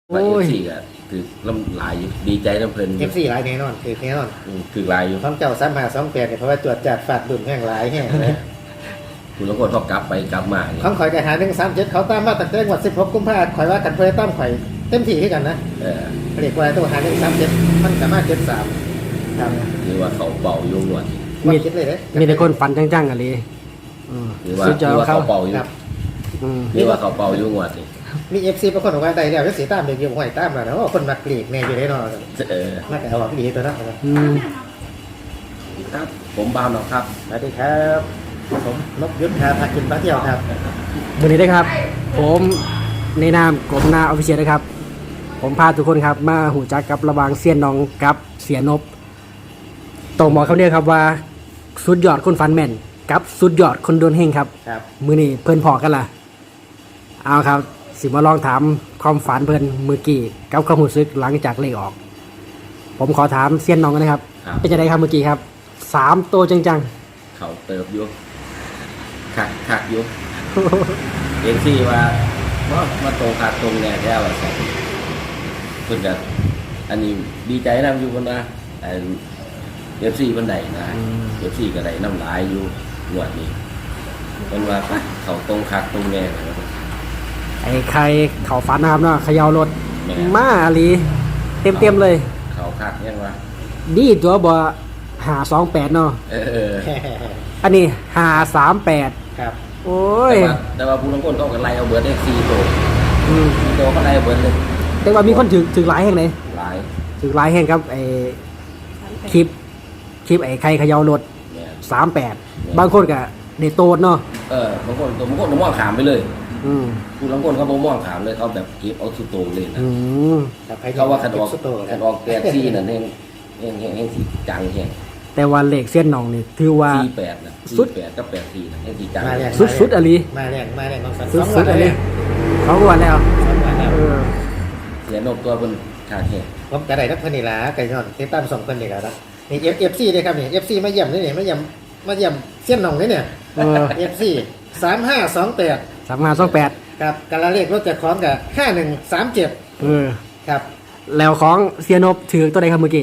ว่าFCก็คือลำลายอยู่ดีใจน้ำเพลิน FC หลายแน่นอนคือแน่นอนคือลายอยู่ของเจ้า3528เนี่ยเพราะว่าจวดจัดฟาดดุ่มแห้งหลายแห้งเลยคุณแล้วก็ต้องกลับไปกลับมานี่ของข่อยก็หา137เขาตามมาตั้งแต่วัน16กุมภาพันธ์ข่อยว่ากันเพื่อตามข่อยเต็มที่ให้กันนะเออเรียกว่าตัวหา137มันสามารถ73ครับคือว่าเขาเป่าอยู่หนวดว่าคิดเลยเด้มีแต่คนฟันจังๆกันเลยอืมคือว่าสุดยอดคือว่าเขาเขาเป่าอยู่ครับอืมคือว่าเขาเป่าอยู่หนวดนี่มี FC บางคนบอกว่าได้แล้วจะเสียตามเด็กอยู่ห้อยตามแล้วนะว่าคนมักกรีกแน่อยู่ได้เนาะเออน่าจะเอาออกดีตัวนั้นอืมครับ ผมบ้าวน้องครับสวัสดีครับผมนกยุทธพากินพาเที่ยวครับวันนี้นะครับ ผมในนามกรมนาออฟฟิเชียลนะครับ ผมพาทุกคนครับมาหูจักกับระหว่างเซียนน้องกับเสียนบตรงหมอเขาเนี่ยครับว่าสุดยอดคนฟันแม่นกับสุดยอดคนโดนเฮงครับครับมือนี่เพื่อนพอกันล่ะเอาครับสิมาลองถามความฝันเพื่อนมือกี้กับความรู้สึกหลังจากเลขออก ผมขอถามเซียนน้องกันนะครับครับเป็นจะไดครับเมื่อกี้ครับ3ตัวจังเขาเติบอยู่คักอยู่เอ็นซี่ว่ามาตรงคักตรงแน่แท้ว่าใส่เพิ่นก็อันนี้ดีใจนำอยู่คนนะเอฟซีเพิ่นได้นะเอฟซีก็ได้น้ำลายอยู่หนวดนี้เพิ่นว่าไปเขาตรงคักตรงแน่นะครับๆไอ้ใครเขาฝันนะครับเนาะเขย่ารถแม่มาอาลีเต็มเลยเขาคักยังวะดีตัวบ่528เนาะเอออันนี้538 ครับโอ้ยแต่ว่าผู้ลางคนเขาก็ไล่เอาเบิร์ดได้4 ตัวอืม 4 ตัวเขาไล่เอาเบิร์ดเลยแต่ว่ามีคนถือหลายแห่งเลยหลายถือหลายแห่งครับไอ้คลิปไอ้ใครเขย่ารถเนี่ย 38บางคนก็ได้โตดเนาะบางคนมองขามไปเลยอืมผู้ลางคนเขาบ่มองขามเลยเขาแบบเก็บเอาสุดโตเลยนะอืมเขาว่าคันออกสุดโต่งคันออกแปดซี่นั่นเองสิจังแฮงแต่ว่าเลขเส้นน้องนี่ถือว่า 48นะสุด 48กับ84นะเองสิจังมาแรงสุดๆอะลีมาแรงของสันสุดๆอะลีเขาก็วันแล้วสองวันแล้วเออเสียนกตัวเพิ่นขาดแฮงผมจะได้รับพันนิลาไก่ยอนเทตั้ม2คนนี่แหละนะนี่FC เลยครับนี่ FC มาเยี่ยมนี่มาเยี่ยมเสี้ยนหนองนี่เนี่ยเออ FC 3528 3528 ครับกาลาเลขรถจากของกับ5137 เออครับแล้วของเซียนบถือตัวใดครับเมื่อกี้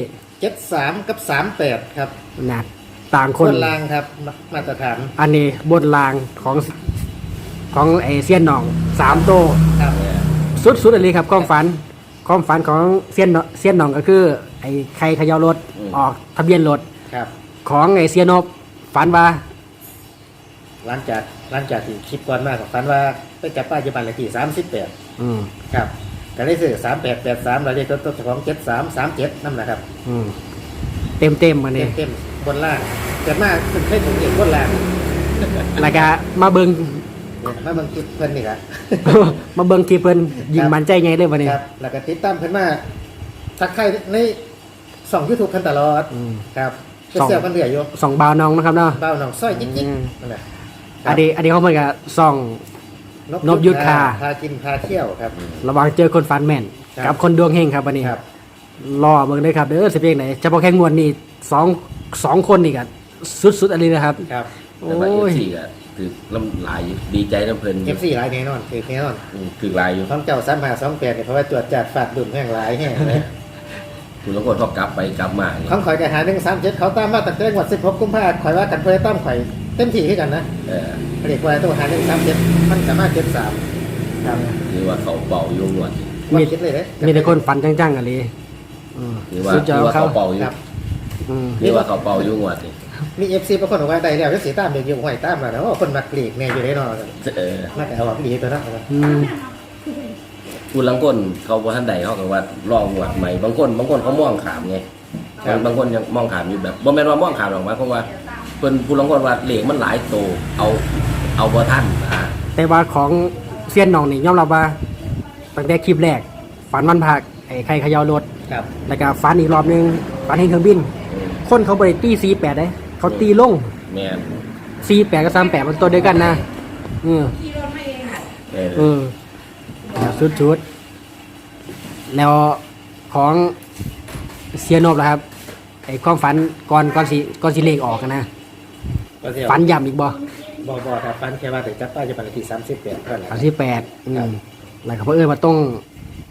73กับ38ครับนะต่างคนนลางครับมาตรฐานอันนี้บนรางของไอเซียนหนอง3โตวครับสุดๆอันนี้ครับความฝันของเซียนหนองก็คือ ไอ้ใครเขย่ารถออกทะเบียนรถครับของไอ้เซียนบฝันว่าหลังจากที่คลิปก่อนมากฝันว่าไปจับป้ายจุบันเลขที่38 อืมครับก็ได้ซื้อ3883แล้วเลขรถของ7337นั่นแหละครับอืมเต็มอันนี้เต็มบนล่างเกิดมากขึ้นให้ผมเห็นบนล่างแล้วก็มาเบิงเนี่ยมาเบิ่งคลิปเพิ่นนี่ครับมาเบิงที่เพิ่นยิงมันใจไงเลยวันนี้ครับแล้วก็ติดตามเพิ่นมาทักทายในช่อง YouTube เพิ่นตลอดอืมครับเป็นเสี่ยวกันเหลืออยู่ส่องบาวน้องนะครับเนาะเบ้าหนองซ้อยจิ๊กอืมๆนั่นแหละอันนี้เขาเหมือนกับส่อง นพยุทธคาพากินพาเที่ยวครับระหวังเจอคนฟันแม่นครับกับคนดวงเฮงครับวันนี้ครับรอเบิ่งเลยครับเด้อสิเพลงไหนเฉพาะแค่งวดนี่สองคนนี่ก็สุดอันนี้นะครับครับโอ้แต่ว่าย FC ก็คือลำลายอยู่ดีใจน้ำเพลิน FC หลายแน่นอนคือแน่นอนคือลายอยู่ของเจ้า3528เนี่ยเพราะว่าจวดจัดฟาดดุ่มแห้งหลายแห้งเลยคุณลางคนเขากลับไปกลับมานี่ของข่อยก็หา137เขาตามมาตั้งแต่วัน16กุมภาพันธ์ข่อยว่ากันเพื่อตามข่อยเต็มที่ให้กันนะเออเรียกว่าตัวหา137มันสามารถ73ครับคือว่าเขาเป่าอยู่หนวดนี่ว่าคิดเลยเด้มีแต่คนฟันจังๆกันเลยอืมคือว่าสุดยอดคือว่าเขาเขาเป่าอยู่ครับอืมคือว่าเขาเป่าอยู่หนวดนี่มี FC บางคนบอกว่าได้แล้วจะเสียตามเด็กอยู่ห้อยตามแล้วนะว่าคนมักกรีกแน่อยู่ได้เนาะเออน่าจะเอาออกดีตัวนั้นอืมผู้ลังคนเขาบ่ทันใดเขาก็ว่าลองหวดใหม่บางคนเขามองขามไงบางคนยังมองขามอยู่แบบบ่แม่นว่ามองขามหรอกหมายความว่าเพิ่นผู้ลังคนว่าเหล็กมันหลายโตเอาบ่ทันนะแต่ว่าของเซียนหนองนี่ยอมรับว่าตั้งแต่คลิปแรกฝันวันพักไอ้ใครเขย่ารถครับแล้วก็ฝันอีกรอบนึงฝันเห็นเครื่องบิน คนเขาบริตี48ได้เขาตีลงแม่น 48กับ38มันตัวเดียวกันนะอืมเอเอออชุดแล้วของเซียนบล่ะครับไอ้ความฝันก่อนสิเลขออกอะนะก็เที่ยวฝันย้ำอีกบ่บ่ครับฟันแค่ว่าแต่จับป้ายจะเป็นที่38เท่านั้น 38แล้วก็เพื่อมาต้อง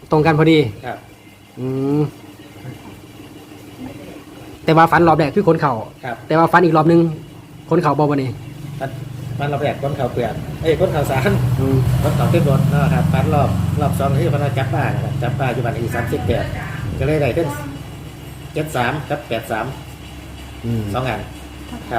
ตรงกันพอดีครับอืมแต่ว่าฟันรอบแรกคือคนเข่าครับแต่ว่าฟันอีกรอบนึงคนเข่าบอกวันนี้มันเราแบกก้นเขาเปลือกก้นเขาสารอืมก้นเขาขึ้นรถนะครับฟันรอบสองที่พนักจับป้านะครับจับป้าอยู่บ้านอี38ก็เลยได้ขึ้น73กับ83 อืม 2อันครับ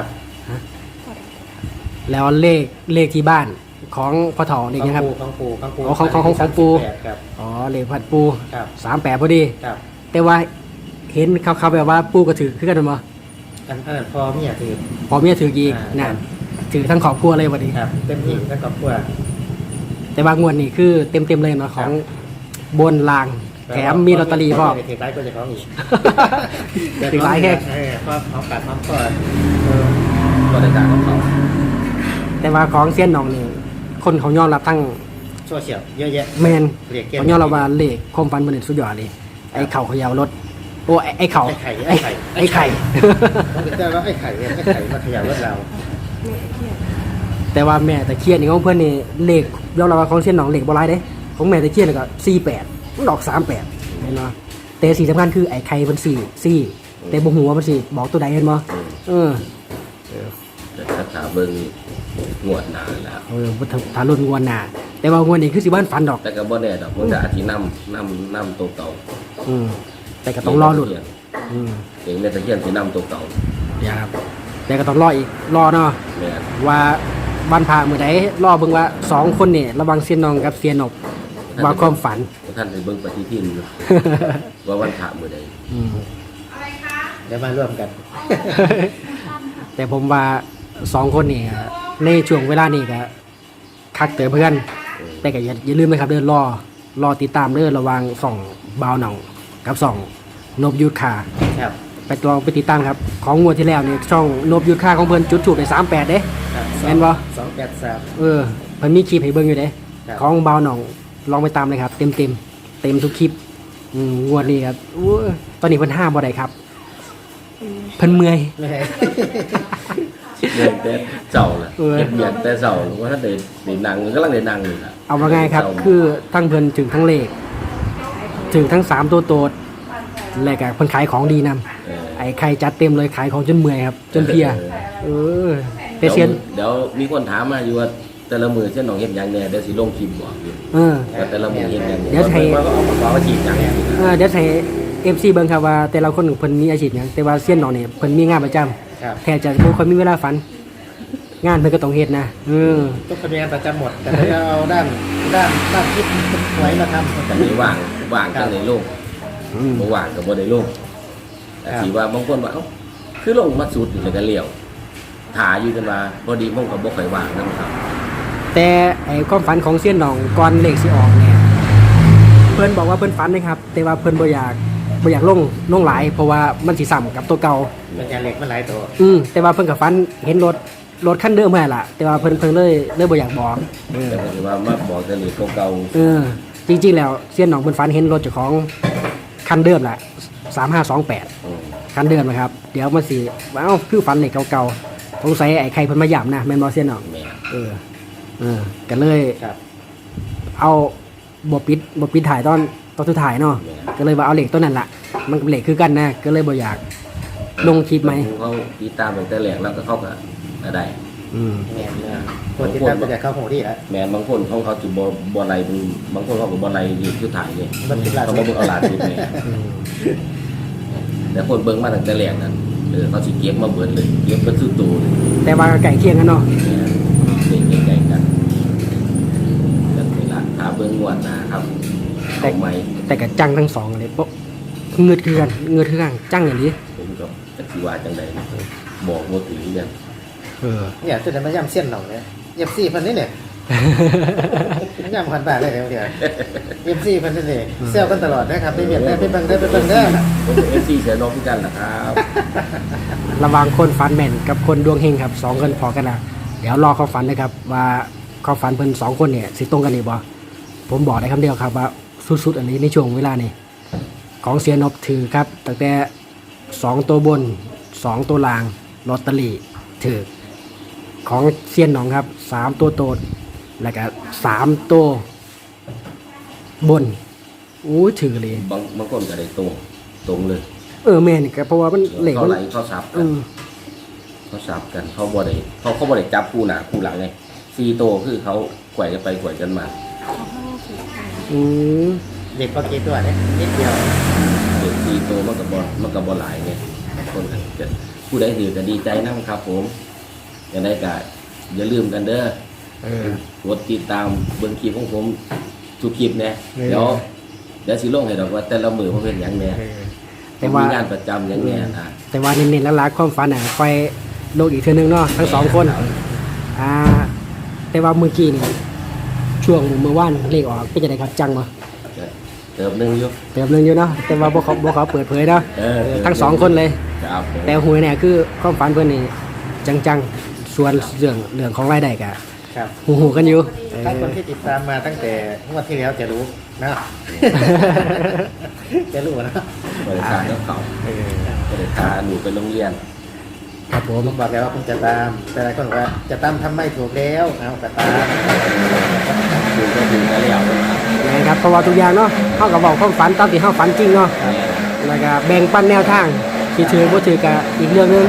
แล้วเลขที่บ้านของพ่อเฒ่าเลขยังครับของปูอ๋อของปู 38ครับอ๋อเลขผัดปูครับ 38พอดีครับแต่ว่าเห็นเขาแบบว่าปูก็ถือคือกันมั้ยอันนั้นพอเมียถือพอเมียถืออีกอ่าน่ะถือทั้งครอบครัวเลยวันนี้ครับเต็มที่แล้วก็กลัวแต่ว่างวดนี้คือเต็มเลยเนาะของบนลางแถมมีลอตเตอรี่พ่อถือไลฟ์ก็จะของอีกถือหลายแค่เพราะของกัดของก่อนก็ได้จากของเขาแต่ว่าของเซียนหนองนี่คนเขายอมรับทั้งโซเชียลเยอะแยะแมนเรียกเกมเขายอมรับว่าเลขความฝันมันสุดยอดเลยไอ้เข่าเขยาวรถโอ้ไอ้เข่าไอ้ไข่ไอ้ไข่ต้องเป็นเจ้าว่าไอ้ไข่มาขยับรถเราแต่ว่าแม่ตะเคียนนี่ของเพื่อนนี่เลขยอมรับว่าของเซียนหนองเลขบ่หลายเด้ของแม่ตะเคียนนี่ก็48มันดอก38เห็นบ่แต่สิ่งสำคัญคือไอ้ไข่มัน4แต่บ่ฮู้ว่ามันสิบอกตัวใดเห็นบ่เออแต่ถ้าถาเบิ่งงวดหนาแล้วถ้ารุ่นงวดหน้าแต่ว่างวดนี้คือสิบ้านฝันดอกแต่ก็บ่แน่ดอกมันจะอาทิตย์นำตัวเก่าอืมแต่ก็ต้องรอหลุดอืมเองแม่ตะเคียนสินำตัวเก่าอย่าครับแต่ก็ต้องรออีกรอเนาะแม่นว่าบ้านพามือใดรอเบิ่งว่า2คนนี่ระวังเสียนนองกับเสียนบว่าความฝันท่านไปเบิ่งปฏิทินอยู่ ว่าวันพระมื้อใดอืมเดี๋ยวมาร่วมกันแต่ผมว่า2คนนี่ก็ในช่วงเวลานี้ก็คักเตอเพื่อน แต่ก็อย่าลืมนะครับเดินรอติดตามเด้อระหวังส่องบาวหนองกับส่องนบยุทธคาครับไปลองไปติดตามครับของงวดที่แล้วนี่ช่องนบยุทธคาของเพิ่นจุดถูกไป38เด้ครับแม่นบ่ 283 เเพิ่นมีคลิปให้เบิ่งอยู่เด้ครับของบาวหนองลองไปตามเลยครับ เต็มทุกคลิปงวดนี้ครับอู้ตอนนี้เพิ่นห้ามบ่ได้ครับ เพิ่นเมื่อยไม่เรื่องแต่เจ้าล่ะเออเก็บเบียดแต่เจ้าว่าถ้าได้นั่งกำลังได้นั่งอยู่ล่ะเอาว่าไงครับ คือทั้งเพิ่นถึงทั้งเลข ถึงทั้ง3ตัวโตดและก็เพิ่นขายของดีนำเออไอ้ใครจัดเต็มเลยขายของจนเมื่อยครับ จนเพลียเออแต่เซียนเดี๋ยวมีคนถามมาอยู่ว่าแต่ละมือเช่นน้องเฮ็ดหยังแน่เดี๋ยวสิลงคลิปบอกอยู่เออว่าแต่ละมือเฮ็ดหยังแน่เดี๋ยวให้ว่าก็เอามาว่าจีบหยังสินะเดี๋ยวให้ FC เบิ่งครับว่าแต่ละคนเพิ่นมีอาชีพหยังแต่ว่าเซียนน้องนี่เพิ่นมีงานประจำครับแทบจะบ่ค่อยมีเวลาฝัน งานเพิ่นก็ต้องเฮ็ดนะทุกคนมีงานประจำหมด แต่เราเอาด้านคิดไว้มาทำแต่นี้ว่างกันในโลกอืมบ่ว่างก็บ่ได้ลงแต่ครับสิว่าบางคนว่าเอ้าคือลงมาสุดแล้วก็เลี้ยวถ่าอยู่กันว่าพอดีผมก็บ่ค่อยว่างนำครับแต่ไอ้ความฝันของเซียนน้องก่อนเลขสิออกเนี่ยเพิ่นบอกว่าเพิ่นฝันนะครับ แต่ว่าเพิ่นบ่อยากลงหลาย เพราะว่ามันสิซ้ำกับตัวเก่ามันจะเหล็กมันหลายตัวแต่ว่าเพิ่นก็ฝันเห็นรถคันเดิมแม่นล่ะ แต่ว่าเพิ่นเลยบ่อยากบอกเออแต่ก็สิว่ามาบอกแต่นี่เก่าจริงๆแล้วเซียนน้องเพิ่นฝันเห็นรถเจ้าของคันเดิมแหละ3528 ๆอืมคันเดิมนะครับ เดี๋ยวมันสิว้าวคือฝันเลขเก่าๆสงสัยไอ้ใครเพิ่นมาย้ำนะแม่นบ่เซียนน้องแม่กันเลยครับเอาบปิดถ่ายตอนสุดท้ายเนาะก็เลยว่าเอาเหล็กตัวนั้นละมันเหล็กคือกันนะก็เลยบ่อยากลงคลิปไหมเขาติดตามตั้งแต่แรกแล้วก็เข้าก็ได้อืมแม่นคนที่ตั้งจะเข้าหูที่แล้วแม่นบางคนเขาสิบ่ไล่เป็นบางคนเขาก็บ่ไล่อยู่สุดท้ายนี่มันเป็นหลายเขาบ่เบิ่งเอาหลานสุดแม่อืมแต่คนเบิ่งมาตั้งแต่แรกนั่นเขาสิเก็บมาเบิดเลยเก็บเป็นสุดตัวเลยแต่ว่าไก่เคียงกันเนาะเด็กใหญ่ๆกันแบบนี้ล่ะถ้าเบิ่งงวดหน้าครับเอาใหม่แต่กับจังทั้งสองเลยโป๊ะเงือดคือกันจังอย่างนี้ผมก็จักสิว่าจังไดนะบอกบ่ถึงกันเนี่ยจะได้มาย่ำเส้นหน่องเนี่ยเย็บซี่พันนี่เนี่ยย่ำพันบาทเลยเดี๋ยวเย็บซี่พันนี่เนี่ยเซลกันตลอดนะครับไปเบียดได้ไปบังได้ไปบังได้ผมเป็น FC เสียน้องพี่กันล่ะครับระหวังคนฝันแม่นกับคนดวงเฮงครับ2คนพอกันนะเดี๋ยวรอเขาฝันนะครับ ว่าเขาฝันเพิ่น2คนเนี่ยสิตรงกันนี่บ่ผมบอกได้คำเดียวครับว่าสุดๆอันนี้ในช่วงเวลานี้ของเสียนบถือครับตั้งแต่2ตัวบน2ตัวล่างลอตเตอรี่ถือของเซียนหนองครับ3ตัวโตดแล้วก็3ตัวบนอู้ถือเลยบางคนก็ได้ตรงเลยแม่นก็เพราะว่ามันเหล็กเขามันไหลเขาสับกันเขาสับกันเขาบ่ได้เขาบ่ได้จับคู่หน้าคู่หลังไง4 โตวคือเขาแกว่งกันไปแกว่งกันมาอืมเด็กก็กี่ตัวเนี่ยนิดเดียวเด็ก4 โตวมันก็บ่หลายไงคนจะผู้ใดถือก็ดีใจนะครับผมอย่างไรก็อย่าลืมกันเด้อกดติดตามเบิ่งคลิปของผมทุกคลิปเนี่ยเดี๋ยวสิลงให้ดอกว่าแต่ละมือมันเป็นหยังแน่แต่ว่ามีงานประจำหยังแน่นะแต่ว่าเน้นๆแล้วรักความฝันค่อยโลกอีกเทื่อนึงเนาะทั้งสองคนแต่ว่าเมื่อกี้นี่ช่วงเมื่อวานเลขออกเป็นจังไดครับจังบ่เติมหนึงอยู่เติมนึงอยู่เนาะแต่ว่าบ่ขอเปิดเผยเนาะ ทั้งสองคนเลยครับผมแต่หวยเนี่ยคือความฝันเพื่อนนี่จังๆส่วนเรื่องของรายได้กะครับหูกันอยู่ถ้าคนที่ติดตามมาตั้งแต่งวดที่แล้วจะรู้นะ จะรู้นะบริการกับเขาบริการหนูไปโรงเรียนครับผมผมบอกแล้วว่าผมจะตาม แต่หลายคนบอกว่าจะตามทำไม่ถูกแล้วเอาแต่ตามหนูก็ถึงจะเลี้ยวนะครับนะครับเพราะว่าทุกอย่างเนาะเฮาก็บอกความฝันตามที่เฮาฝันจริงเนาะแล้วก็แบ่งปันแนวทางที่ถือบ่ถือก็อีกเรื่องหนึง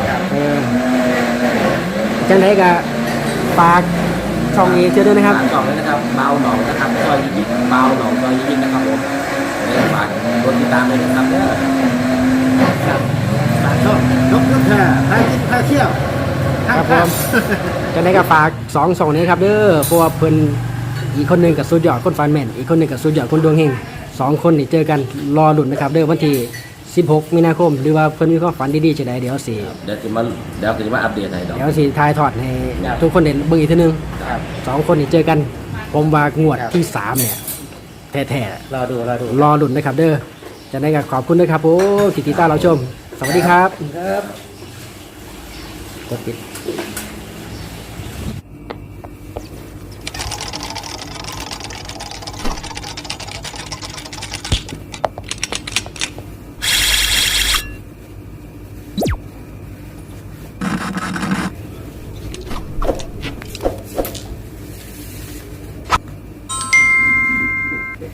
จังไดก็ฝากช่องนี้เจอด้วยนะครับฝากช่องด้วยนะครับเบาหนองนะครับซอยยิบเบาหนองซอยยิบนะครับผมฝากกดติดตามเลยนะครับเนี่ยครับฝากช่องนกยุทธาพากินพาเที่ยวครับผมจังไดก็ฝาก2ช่องนี้ครับเด้อเพราะว่าเพิ่นอีกคนหนึงกับสุดยอดคนฟันแม่นอีกคนหนึงกับสุดยอดคนดวงเฮง2คนนี่เจอกันรอลุ้นนะครับเด้อวันที่16 มีนาคม หรือว่าเพิ่นมีความฝันดีๆจังไดเดี๋ยวสิเดี๋ยวจะมาอัปเดตให้ดอกเดี๋ยวสิถ่ายทอดให้ทุกคนได้เบิ่งอีกทีนึงครับ 2คนนี่เจอกันผมว่างวดที่3เนี่ยแท้รอดูๆรอลุ้นนะครับเด้อจังไดก็ขอบคุณด้วยครับผมที่ติดตามเราชม สวัสดีครับครับกดปิด